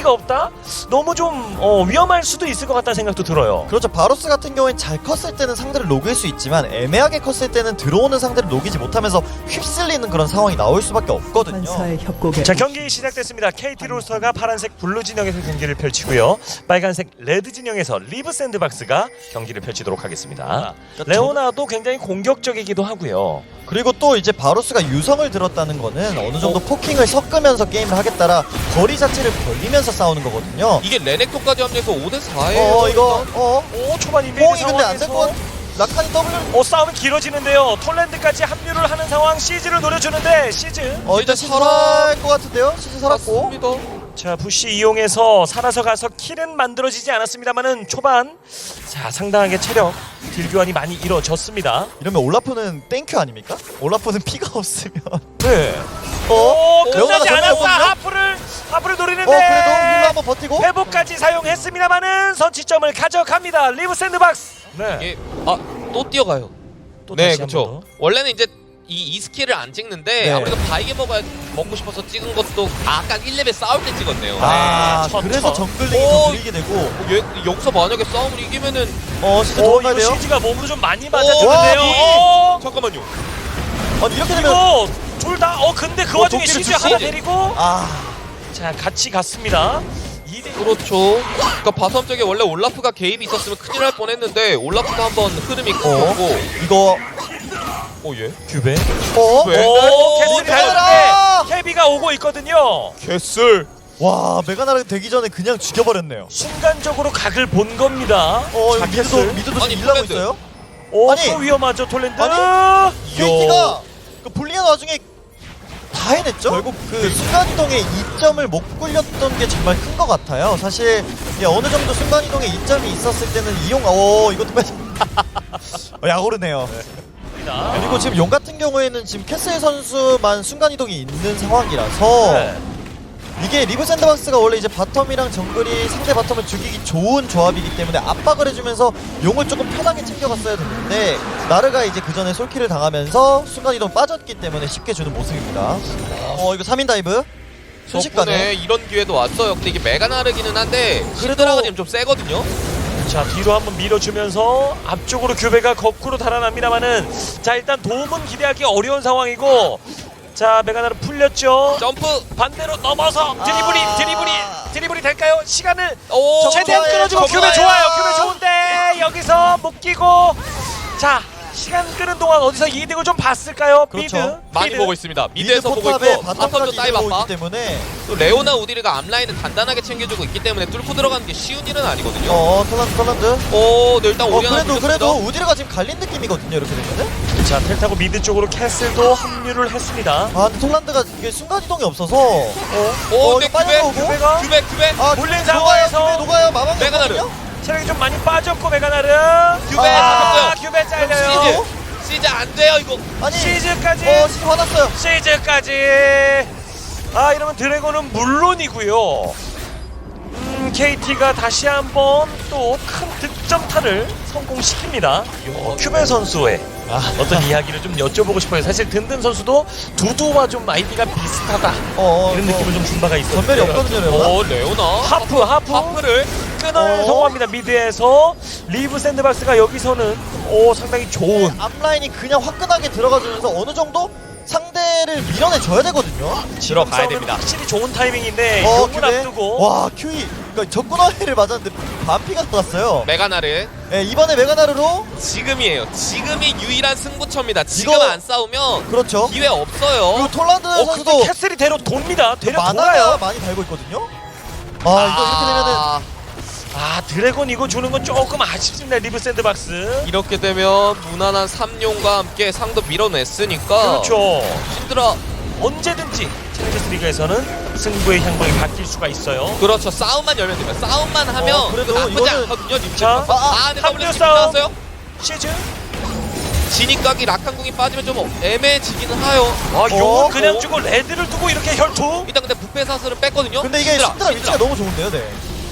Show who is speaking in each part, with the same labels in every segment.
Speaker 1: 가치가 없다? 너무 좀 위험할 수도 있을 것 같다는 생각도 들어요.
Speaker 2: 그렇죠. 바로스 같은 경우엔 잘 컸을 때는 상대를 녹일 수 있지만 애매하게 컸을 때는 들어오는 상대를 녹이지 못하면서 휩쓸리는 그런 상황이 나올 수밖에 없거든요.
Speaker 3: 환사의 협곡에
Speaker 1: 자, 경기 시작됐습니다. KT 로스터가 파란색 블루 진영에서 경기를 펼치고요. 빨간색 레드 진영에서 리브 샌드박스가 경기를 펼치도록 하겠습니다. 레오나도 굉장히 공격적이기도 하고요.
Speaker 2: 그리고 또 이제 바로스가 유성을 들었다는 거는 어느 정도 포킹을 섞으면서 게임을 하겠다라 거리 자체를 벌리면서 싸우는 거거든요.
Speaker 4: 이게 레넥톤까지 합류해서 5대4예요.
Speaker 2: 이거
Speaker 1: 오, 초반 인베이드
Speaker 2: 뽕이 근데 안 될
Speaker 1: 상황에서
Speaker 2: 것 라칸이 W
Speaker 1: 싸움이 길어지는데요. 톨랜드까지 합류를 하는 상황. 시즈를 노려주는데 시즈.
Speaker 2: 일단 시즈 살아갈 것 같은데요? 시즈 살았고
Speaker 4: 맞습니다.
Speaker 1: 자, 부시 이용해서 살아서 가서 킬은 만들어지지 않았습니다만은 초반 자, 상당하게 체력 딜 교환이 많이 이루어졌습니다.
Speaker 2: 이러면 올라프는 땡큐 아닙니까? 올라프는 피가 없으면
Speaker 1: 네.
Speaker 2: 레오나가
Speaker 1: 끝나지 않았어.
Speaker 2: 정리해보거든요?
Speaker 1: 하프를 노리는데
Speaker 2: 그래도 힐러 한번 버티고
Speaker 1: 회복까지 사용했습니다만은 선취점을 가져갑니다. 리브 샌드박스. 네.
Speaker 4: 이게 또 뛰어가요.
Speaker 1: 또
Speaker 4: 네,
Speaker 1: 다시 한 번
Speaker 4: 그렇죠. 원래는 이제 이 스킬을 안 찍는데
Speaker 2: 네.
Speaker 4: 아무래도 바이게 먹고 싶어서 찍은 것도 아까 1레벨 싸울 때 찍었네요.
Speaker 1: 네,
Speaker 2: 그래서
Speaker 1: 첫.
Speaker 2: 정글링이 더 밀리게 되고
Speaker 4: 여기서 만약에 싸움을 이기면은
Speaker 2: 시즈 도망가야
Speaker 1: 이거
Speaker 2: 돼요?
Speaker 1: 시즈가 몸으로 좀 많이
Speaker 2: 와,
Speaker 1: 맞았는데요.
Speaker 4: 잠깐만요.
Speaker 2: 아니 이렇게 되면
Speaker 1: 이거 둘 다 근데 그 와중에
Speaker 4: 도끼를
Speaker 1: 시즈
Speaker 4: 주시지.
Speaker 1: 하나 데리고
Speaker 2: 아
Speaker 1: 자, 같이 갔습니다. 2대
Speaker 4: 그렇죠. 그러니까 바텀 쪽에 원래 올라프가 개입이 있었으면 큰일 날 뻔했는데 올라프도 한번 흐름이 끊겼고
Speaker 2: 이거
Speaker 4: 예?
Speaker 1: 규베.
Speaker 4: 왜?
Speaker 1: 오, 캐슬이
Speaker 2: 메가나라!
Speaker 1: 달렸는데 캐비가 오고 있거든요.
Speaker 4: 개슬.
Speaker 2: 와 메가나르 되기 전에 그냥 죽여버렸네요.
Speaker 1: 순간적으로 각을 본 겁니다.
Speaker 2: 이거
Speaker 1: 자,
Speaker 2: 미드도
Speaker 1: 캐슬.
Speaker 2: 미드도
Speaker 4: 아니,
Speaker 2: 지금 일하고
Speaker 4: 톨랜드.
Speaker 2: 있어요.
Speaker 1: 또 위험하죠, 톨랜드.
Speaker 2: 아니, KT가 그 불리한 와중에 다 해냈죠. 결국 그 순간이동의 이점을 못 굴렸던 게 정말 큰 것 같아요. 사실 어느 정도 순간이동의 이점이 있었을 때는 이것도 야오르네요. 그리고 지금 용 같은 경우에는 지금 캐슬 선수만 순간이동이 있는 상황이라서
Speaker 1: 네.
Speaker 2: 이게 리브 샌드박스가 원래 이제 바텀이랑 정글이 상대 바텀을 죽이기 좋은 조합이기 때문에 압박을 해주면서 용을 조금 편하게 챙겨갔어야 됐는데 나르가 이제 그 전에 솔킬을 당하면서 순간이동 빠졌기 때문에 쉽게 주는 모습입니다. 이거 3인 다이브
Speaker 4: 덕분에
Speaker 2: 순식간에
Speaker 4: 이런 기회도 왔어요. 근데 이게 메가나르기는 한데 신드라가 지금 좀 세거든요.
Speaker 1: 자, 뒤로 한번 밀어주면서 앞쪽으로 규베가 거꾸로 달아납니다만은 자, 일단 도움은 기대하기 어려운 상황이고 자, 메가나르 풀렸죠.
Speaker 4: 점프.
Speaker 1: 반대로 넘어서 드리블이 될까요? 시간을
Speaker 4: 오,
Speaker 1: 최대한
Speaker 2: 좋아요,
Speaker 1: 끌어주고
Speaker 2: 좋아요.
Speaker 1: 규베 좋아요. 규베 좋은데 여기서 묶이고 자, 시간 끄는 동안 어디서 이득을 좀 봤을까요?
Speaker 2: 그렇죠.
Speaker 1: 미드
Speaker 4: 많이
Speaker 1: 미드.
Speaker 4: 보고 있습니다. 미드에서 보고
Speaker 2: 포탑에
Speaker 4: 있고 바텀도
Speaker 2: 바텀까지
Speaker 4: 다이브
Speaker 2: 이루고
Speaker 4: 아파.
Speaker 2: 있기 때문에
Speaker 4: 또 레오나 우디르가 앞라인을 단단하게 챙겨주고 있기 때문에 뚫고 들어가는 게 쉬운 일은 아니거든요.
Speaker 2: 톨란드
Speaker 4: 네, 일단 오리 하나
Speaker 2: 그래도
Speaker 4: 뚫렸습니다.
Speaker 2: 우디르가 지금 갈린 느낌이거든요 이렇게 되면은.
Speaker 1: 자, 텔 타고 미드 쪽으로 캐슬도 합류를 했습니다.
Speaker 2: 근데 톨란드가 이게 순간이동이 없어서
Speaker 4: 근데
Speaker 2: 이거 빨리 오고?
Speaker 4: 규베
Speaker 1: 몰린 상황에서
Speaker 2: 녹아요 마방
Speaker 4: 메가나르.
Speaker 1: 체력이 좀 많이 빠졌고 메가나르
Speaker 4: 규베 잡았고요.
Speaker 1: 규베 잘려요.
Speaker 4: 시즈 안 돼요 이거.
Speaker 2: 아니
Speaker 1: 시즈까지
Speaker 2: 시즈 화났어요.
Speaker 1: 시즈까지 이러면 드래곤은 물론이고요. KT가 다시 한번 또 큰 득점타를 성공시킵니다. 큐베 선수의 어떤 이야기를 좀 여쭤보고 싶어요. 사실 든든 선수도 두두와 좀 아이디가 비슷하다 이런 느낌을 좀 준 바가 있어요.
Speaker 2: 전멸이 없거든요 레오나.
Speaker 4: 레오나
Speaker 1: 하프를 끊어내는 성공합니다. 미드에서 리브 샌드박스가 여기서는 상당히 좋은
Speaker 2: 앞라인이 그냥 화끈하게 들어가주면서 어느 정도 상대를 밀어내줘야 되거든요.
Speaker 1: 들어가야 됩니다. 확실히 좋은 타이밍인데 용을
Speaker 2: 규베.
Speaker 1: 앞두고
Speaker 2: 와 큐이 그러니까 적군화를 맞았는데 반피가 들어갔어요.
Speaker 4: 메가나르
Speaker 2: 이번에 메가나르로
Speaker 4: 지금이에요. 지금이 유일한 승부처입니다. 지금
Speaker 2: 이거-
Speaker 4: 안 싸우면
Speaker 2: 그렇죠.
Speaker 4: 기회 없어요.
Speaker 2: 그리고 톨란드
Speaker 1: 근데
Speaker 2: 선수도
Speaker 1: 캐슬이 되려 돕니다. 되려
Speaker 2: 만화가
Speaker 1: 돌아요.
Speaker 2: 많이 달고 있거든요. 이거 이렇게 되면은
Speaker 1: 드래곤 이거 주는 건 조금 아쉽습니다. 리브 샌드박스.
Speaker 4: 이렇게 되면 무난한 3용과 함께 상도 밀어냈으니까
Speaker 1: 그렇죠.
Speaker 4: 신드라
Speaker 1: 언제든지 챌린저스 리그에서는 승부의 향방이 바뀔 수가 있어요.
Speaker 4: 그렇죠. 싸움만 열면 됩니다. 싸움만 하면
Speaker 2: 그래도
Speaker 4: 나쁘지
Speaker 2: 이거는-
Speaker 4: 않거든요. 님들.
Speaker 1: 자,
Speaker 4: 근데
Speaker 1: 합류
Speaker 4: W
Speaker 1: 싸움.
Speaker 4: 나왔어요.
Speaker 1: 시즈.
Speaker 4: 진입각이 라칸궁이 빠지면 좀 애매해지기는 해요.
Speaker 1: 용은 그냥 주고 레드를 두고 이렇게 혈투.
Speaker 4: 일단 근데 부패 사슬은 뺐거든요.
Speaker 2: 근데 이게 신드라 위치가 너무 좋은데요, 네.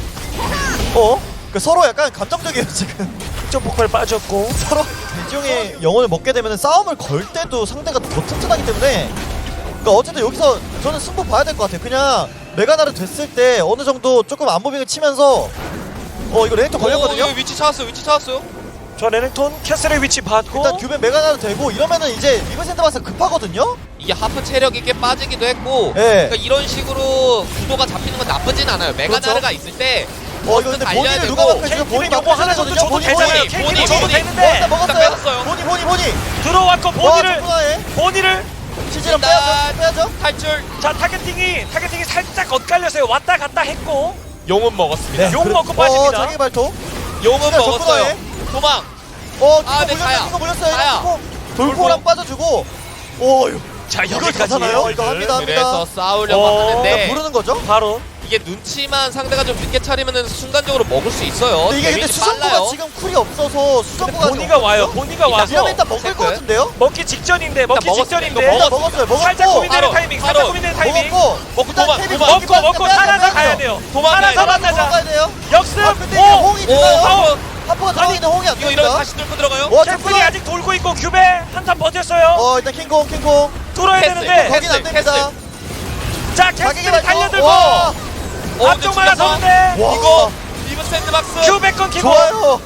Speaker 2: 그러니까 서로 약간 감정적이에요 지금.
Speaker 1: 점 폭발 빠졌고.
Speaker 2: 서로 대지용의 영혼을 먹게 되면 싸움을 걸 때도 상대가 더 튼튼하기 때문에. 그러니까 어쨌든 여기서 저는 승부 봐야 될 것 같아요. 그냥 메가나르 됐을 때 어느 정도 조금 안무빙을 치면서 이거 레넥톤 걸렸거든요.
Speaker 4: 위치 찾았어요.
Speaker 1: 저 레넥톤 캐슬의 위치 봤고
Speaker 2: 일단 규벤 메가나르 되고 이러면은 이제 리브 샌드박스 급하거든요.
Speaker 4: 이게 하프 체력이 꽤 빠지기도 했고
Speaker 2: 네.
Speaker 4: 그러니까 이런 식으로 구도가 잡히는 건 나쁘진 않아요. 메가나르가 있을 때
Speaker 2: 이거 근데
Speaker 4: 달려야
Speaker 2: 본인을
Speaker 4: 되고
Speaker 2: 누가 막혀주면
Speaker 1: KT
Speaker 2: 본인
Speaker 1: 요거 하나 정도 줘도 되잖아요.
Speaker 4: 본인,
Speaker 1: KT 줘도
Speaker 4: 본인.
Speaker 1: 되는데
Speaker 4: 일단
Speaker 2: 먹었어요.
Speaker 4: 뺏었어요.
Speaker 2: 본이.
Speaker 1: 들어왔고 본인을
Speaker 2: 본이를 시즈랑
Speaker 4: 일단
Speaker 2: 빼야죠.
Speaker 4: 탈출.
Speaker 1: 자 타겟팅이 살짝 엇갈려서요. 왔다 갔다 했고
Speaker 4: 용은 먹었습니다.
Speaker 1: 욕 먹고 빠집니다.
Speaker 2: 자기 발톱.
Speaker 4: 용은
Speaker 2: 진짜
Speaker 4: 먹었어요.
Speaker 2: 적군화해.
Speaker 4: 도망.
Speaker 2: 이거
Speaker 4: 자야.
Speaker 2: 몰렸어요.
Speaker 4: 자야.
Speaker 2: 돌고랑 빠져주고.
Speaker 1: 자
Speaker 2: 이걸
Speaker 1: 여기까지
Speaker 2: 가잖아요. 이거 합니다.
Speaker 4: 그래서 싸우려고
Speaker 1: 어,
Speaker 4: 하는데
Speaker 2: 부르는 거죠.
Speaker 1: 바로
Speaker 4: 이게 눈치만 상대가 좀 늦게 차리면은 순간적으로 먹을 수 있어요.
Speaker 2: 근데 이게 근데
Speaker 4: 데미지
Speaker 2: 수성구가
Speaker 4: 빨라요.
Speaker 2: 지금 쿨이 없어서 수성구가
Speaker 1: 본이가 와요. 본이가 와서
Speaker 2: 이러면 일단 먹을
Speaker 4: 체크.
Speaker 2: 것 같은데요.
Speaker 1: 먹기 직전인데 먹기
Speaker 4: 먹었어요.
Speaker 1: 직전인데
Speaker 4: 이거
Speaker 2: 일단 먹었고
Speaker 1: 살짝 고민되는
Speaker 4: 바로,
Speaker 1: 타이밍
Speaker 4: 바로.
Speaker 1: 살짝 고민되는 타이밍
Speaker 2: 먹고
Speaker 4: 도망,
Speaker 2: 케빈
Speaker 4: 도망.
Speaker 1: 먹고 살아서 가야 돼요.
Speaker 4: 도망가야
Speaker 1: 살아서
Speaker 4: 돼요.
Speaker 1: 만나자.
Speaker 2: 도망가야 돼요.
Speaker 1: 역습
Speaker 2: 근데 이게 홍이 들어요.
Speaker 4: 하프.
Speaker 2: 하프가 들어가는데 홍이 안
Speaker 4: 이거 이러면
Speaker 2: 됩니다.
Speaker 4: 다시 뚫고 들어가요.
Speaker 1: 캐슬이 아직 돌고 있고 규베 한탄 버텼어요.
Speaker 2: 일단 킹콩.
Speaker 1: 뚫어야
Speaker 4: 캐슬,
Speaker 1: 되는데
Speaker 2: 거긴 안
Speaker 4: 캐슬,
Speaker 2: 됩니다.
Speaker 1: 자
Speaker 2: 자기가
Speaker 1: 캐슬이 달려들고
Speaker 2: 와,
Speaker 1: 앞쪽 말아서는데
Speaker 2: 와.
Speaker 4: 이거 리브 샌드박스.
Speaker 1: 규베 끊기고
Speaker 2: 좋아요.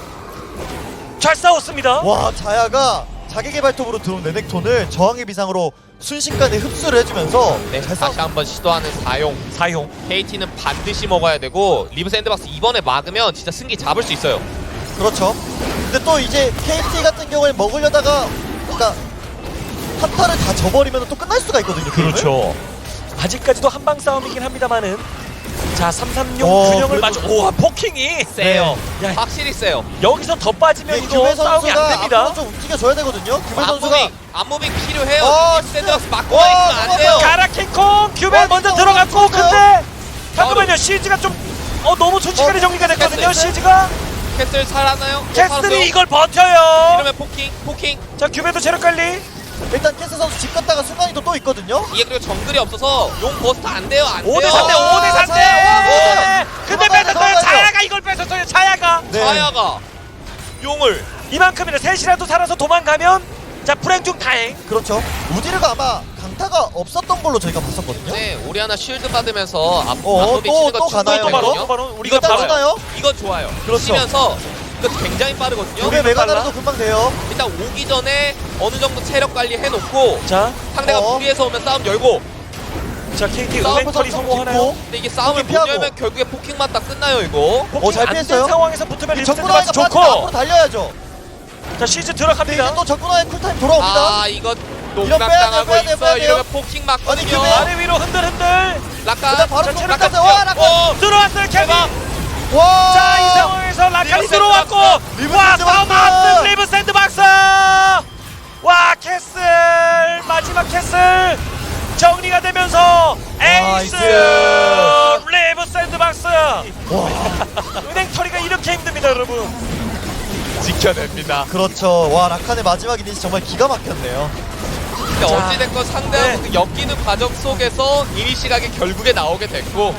Speaker 1: 잘 싸웠습니다.
Speaker 2: 와, 자야가 자기 개발톱으로 들어온 레넥톤을 저항의 비상으로 순식간에 흡수를 해주면서
Speaker 4: 네,
Speaker 2: 잘
Speaker 4: 다시 한번 시도하는 사용. KT는 반드시 먹어야 되고 리브 샌드박스 이번에 막으면 진짜 승기 잡을 수 있어요.
Speaker 2: 그렇죠. 근데 또 이제 KT 같은 경우에 먹으려다가 그러니까 한타를 다 져버리면 또 끝날 수가 있거든요. 게임을.
Speaker 1: 그렇죠. 아직까지도 한방 싸움이긴 합니다만은 자 336 균형을
Speaker 2: 그래도-
Speaker 1: 맞춰 오 포킹이
Speaker 4: 세요.
Speaker 1: 야,
Speaker 4: 확실히 세요.
Speaker 1: 여기서 더 빠지면
Speaker 2: 이게
Speaker 1: 이거
Speaker 2: 규배
Speaker 1: 싸움이
Speaker 2: 선수가
Speaker 1: 안 됩니다.
Speaker 2: 앞으로 좀 움직여줘야 되거든요. 규배 선수가
Speaker 4: 안무빙 필요해요.
Speaker 2: 아,
Speaker 4: 리브 샌드박스
Speaker 2: 진짜.
Speaker 4: 막고
Speaker 2: 와,
Speaker 4: 있으면 안 돼요.
Speaker 2: 잠깐만요.
Speaker 1: 가라킹콩 규베
Speaker 2: 와,
Speaker 1: 먼저
Speaker 2: 진짜
Speaker 1: 들어갔고
Speaker 2: 엄청
Speaker 1: 근데 잠깐만요 시즈가 좀 너무 순식간에 정리가 됐거든요.
Speaker 4: 캐슬.
Speaker 1: 시즈가
Speaker 4: 캐슬 살아나요?
Speaker 1: 캐슬이 이걸 버텨요.
Speaker 4: 이러면 포킹.
Speaker 1: 자 규베도 체력 관리.
Speaker 2: 일단 캐스 선수 집 갔다가 순간이 또 있거든요.
Speaker 4: 이게 그리고 정글이 없어서 용 버스트 안 돼요.
Speaker 1: 5대 3대
Speaker 2: 아,
Speaker 1: 5대 3대.
Speaker 2: 자야.
Speaker 1: 근데
Speaker 2: 도망가야
Speaker 1: 뺏었어요.
Speaker 2: 도망가야
Speaker 1: 자야가 이걸 뺏었어요. 자야가
Speaker 2: 네.
Speaker 4: 자야가 용을
Speaker 1: 이만큼이나 셋이라도 살아서 도망가면 자 불행 중 다행.
Speaker 2: 그렇죠. 우디르가 아마 강타가 없었던 걸로 저희가 봤었거든요.
Speaker 4: 네, 오리아나 쉴드 받으면서
Speaker 2: 어,
Speaker 4: 앞무빙 치는
Speaker 2: 또
Speaker 4: 거
Speaker 2: 가나요,
Speaker 4: 중요했거든요.
Speaker 1: 또 바로
Speaker 2: 이거
Speaker 1: 우리가
Speaker 2: 딱
Speaker 1: 바로
Speaker 2: 하나요?
Speaker 4: 이거 좋아요.
Speaker 2: 그렇죠.
Speaker 4: 치면서 이거 굉장히 빠르거든요.
Speaker 2: 규배 메가나르도 금방 돼요.
Speaker 4: 일단 오기 전에 어느 정도 체력 관리 해놓고
Speaker 1: 자,
Speaker 4: 상대가
Speaker 2: 어.
Speaker 4: 무리해서 오면 싸움 열고.
Speaker 1: 자 KT
Speaker 4: 싸움
Speaker 1: 은행털이 성공하나요?
Speaker 4: 근데 이게 싸움을
Speaker 2: 포킹
Speaker 4: 못
Speaker 2: 피하고.
Speaker 4: 열면 결국에 포킹 맞다 끝나요 이거.
Speaker 2: 잘
Speaker 1: 안된
Speaker 2: 피했어요.
Speaker 1: 상황에서 붙으면 리브
Speaker 2: 적군화가
Speaker 1: 샌드박스
Speaker 2: 빠지면 앞으로
Speaker 1: 좋고.
Speaker 2: 달려야죠.
Speaker 1: 자 시즈
Speaker 2: 근데 이제
Speaker 1: 들어갑니다.
Speaker 2: 또 적군화의 쿨타임 돌아옵니다.
Speaker 4: 아 이거
Speaker 2: 이런
Speaker 4: 농락당하고
Speaker 2: 빼야 돼요, 빼야
Speaker 4: 있어.
Speaker 2: 돼요.
Speaker 4: 이러면 포킹 맞거든요.
Speaker 2: 아니, 규배.
Speaker 1: 아래 위로 흔들흔들.
Speaker 4: 락간.
Speaker 2: 그다음 바로
Speaker 1: 자,
Speaker 2: 또
Speaker 1: 체력
Speaker 2: 깎았어요. 와, 락간.
Speaker 1: 들어왔어요 케빈.
Speaker 4: 대박.
Speaker 2: 와.
Speaker 1: 자 이 상황에서 라칸이
Speaker 4: 리브
Speaker 1: 들어왔고
Speaker 2: 리브
Speaker 1: 와
Speaker 2: 샌드박스.
Speaker 1: 싸움 앞선 리브 샌드박스. 와 캐슬 마지막 캐슬 정리가 되면서 에이스
Speaker 2: 나이스.
Speaker 1: 리브 샌드박스.
Speaker 2: 와.
Speaker 1: 은행털이가 이렇게 힘듭니다 여러분.
Speaker 4: 지켜냅니다.
Speaker 2: 그렇죠. 와, 라칸의 마지막 이니시 정말 기가 막혔네요.
Speaker 4: 근데
Speaker 1: 자,
Speaker 4: 어찌됐건 상대하고
Speaker 1: 네.
Speaker 4: 그 엮이는 과정 속에서 이니 시각이 결국에 나오게 됐고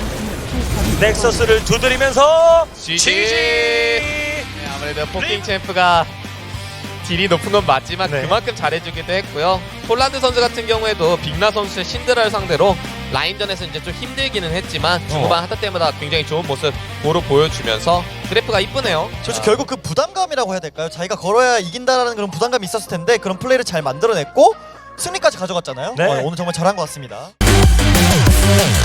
Speaker 1: 넥서스를 두드리면서
Speaker 4: GG. 네, 아무래도 포킹 챔프가 딜이 높은 건 맞지만
Speaker 1: 네.
Speaker 4: 그만큼 잘해주기도 했고요. 폴란드 선수 같은 경우에도 빅나 선수의 신드라를 상대로 라인전에서 이제 좀 힘들기는 했지만 중반 하타 때마다 굉장히 좋은 모습으로 보여주면서 그래프가 이쁘네요.
Speaker 2: 그렇죠. 결국 그 부담감이라고 해야 될까요? 자기가 걸어야 이긴다라는 그런 부담감이 있었을 텐데 그런 플레이를 잘 만들어냈고 승리까지 가져갔잖아요.
Speaker 1: 네.
Speaker 2: 오늘 정말 잘한 것 같습니다.